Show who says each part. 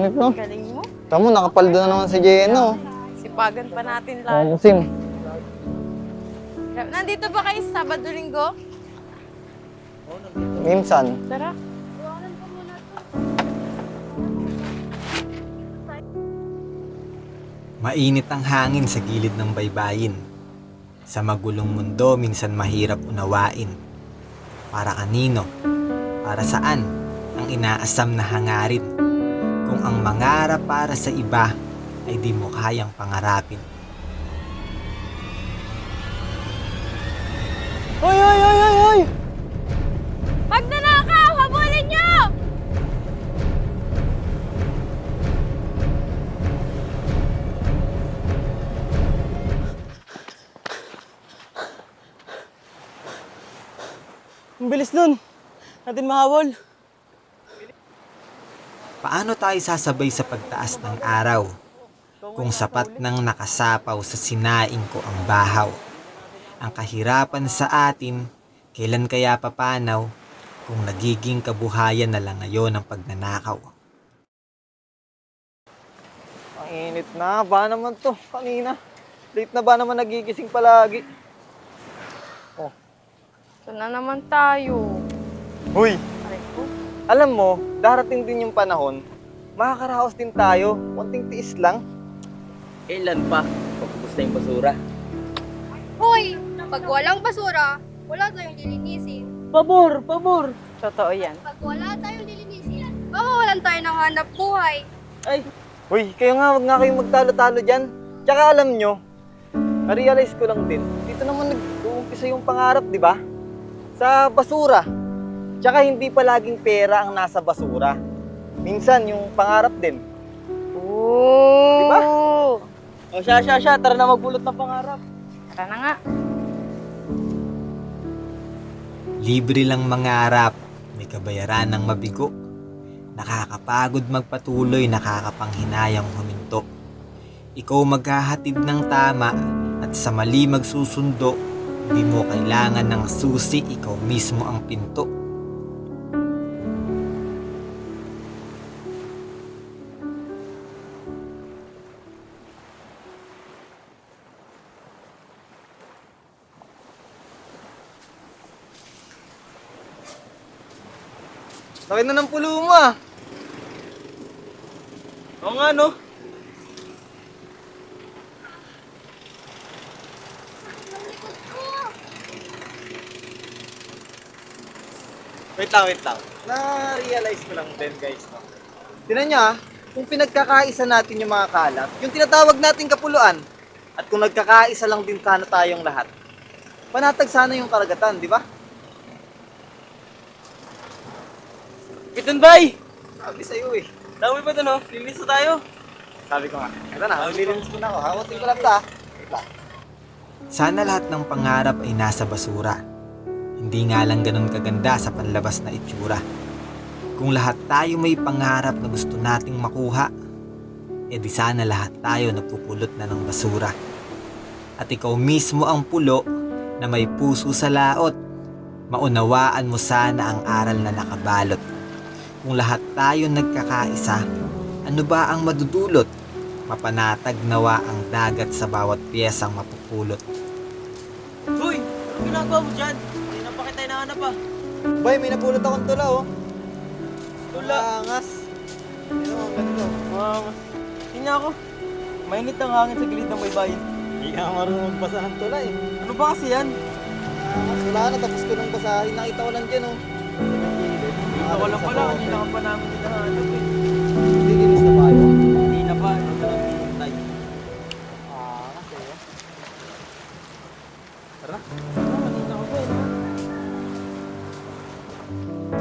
Speaker 1: Init no?
Speaker 2: Galing mo.
Speaker 1: Tamo, nakapaldo na naman si Jeno.
Speaker 2: Sipagan pa natin
Speaker 1: Oh,
Speaker 2: lahat.
Speaker 1: Sim.
Speaker 2: Nandito ba kayo sa Sabado Linggo?
Speaker 1: Minsan.
Speaker 2: Tara.
Speaker 3: Mainit ang hangin sa gilid ng baybayin. Sa magulong mundo, minsan mahirap unawain. Para kanino? Para saan? Ang inaasam na hangarin. Kung ang mangarap para sa iba ay di mo kayang pangarapin.
Speaker 1: Hoy, hoy, hoy, hoy, hoy!
Speaker 2: Magnanakaw! Habulin niyo!
Speaker 1: Ang bilis nun. Natin mahabol.
Speaker 3: Paano tayo sasabay sa pagtaas ng araw? Kung sapat nang nakasapaw sa sinaing ko ang bahaw. Ang kahirapan sa atin, kailan kaya papanaw kung nagiging kabuhayan na lang ngayon ang pagnanakaw?
Speaker 1: Ang init na. Ba naman to kanina? Late na ba naman nagigising palagi?
Speaker 2: Ito na naman tayo.
Speaker 1: Hoy!
Speaker 2: Aray ko.
Speaker 1: Alam mo, darating din yung panahon, makakaraos din tayo. Konting tiis lang.
Speaker 4: Kailan pa? Pagkubos na yung basura.
Speaker 5: Hoy! Pag walang basura, wala tayong lilinisin.
Speaker 1: Pabor! Pabor!
Speaker 2: Totoo yan.
Speaker 5: Pag wala tayong lilinisin, mawawalan tayo ng hanap buhay.
Speaker 1: Ay! Hoy, kayo nga, wag nga kayong magtalo-talo dyan. Tsaka alam nyo, na-realize ko lang din, dito naman nag-uumpisa yung pangarap, di ba? Sa basura. Tsaka hindi palaging pera ang nasa basura. Minsan, yung pangarap din.
Speaker 2: Oo.
Speaker 1: Diba? O siya, tara na magbulot ng pangarap.
Speaker 2: Tara na nga.
Speaker 3: Libre lang mangarap, may kabayaran ng mabigo. Nakakapagod magpatuloy, nakakapanghinayang huminto. Ikaw maghahatid ng tama at sa mali magsusundo. Di mo kailangan ng susi, ikaw mismo ang pinto.
Speaker 1: Laki na ng pulo mo ah. Oo nga no. Wait lang. Na-realize ko lang din guys. No? Tinan nyo ah, kung pinagkakaisa natin yung mga kalat, yung tinatawag nating kapuluan, at kung nagkakaisa lang din sana tayong lahat, panatag sana yung karagatan, di ba?
Speaker 4: Piton bay!
Speaker 1: Sabi sa'yo eh.
Speaker 4: Dami pa doon, oh. Linis na tayo.
Speaker 1: Sabi ko nga. Ito na, nililinis ko na ako. Hawatin ko lang ta.
Speaker 3: Sana lahat ng pangarap ay nasa basura. Hindi nga lang ganun kaganda sa panlabas na itsura. Kung lahat tayo may pangarap na gusto nating makuha, edi sana lahat tayo nagpupulot na ng basura. At ikaw mismo ang pulo na may puso sa laot. Maunawaan mo sana ang aral na nakabalot. Kung lahat tayo nagkakaisa, ano ba ang madudulot? Mapanatag nawa ang dagat sa bawat piyesang mapupulot.
Speaker 4: Hoy! Anong ginagawa mo dyan? Hindi na pa kita hinahanap ah.
Speaker 1: Bay, may napulot akong tula oh.
Speaker 4: Tula?
Speaker 1: Angas. Ano, ang ganda.
Speaker 4: Hindi niya ako. Mainit ang hangin sa gilid ng baybayin.
Speaker 1: Hindi ka marunong magbasa ng tula eh.
Speaker 4: Ano ba kasi yan?
Speaker 1: Angas, wala na. Tapos ko nang basahin. Nakita ko lang dyan oh.
Speaker 4: Ito ko lang pala, hindi na ka pa namin hinahanap eh.
Speaker 1: Linis na tayo.
Speaker 4: Hindi na pa, ano na lang pinintay.
Speaker 1: Angas eh.
Speaker 4: Tara. Kanina ko pa eh.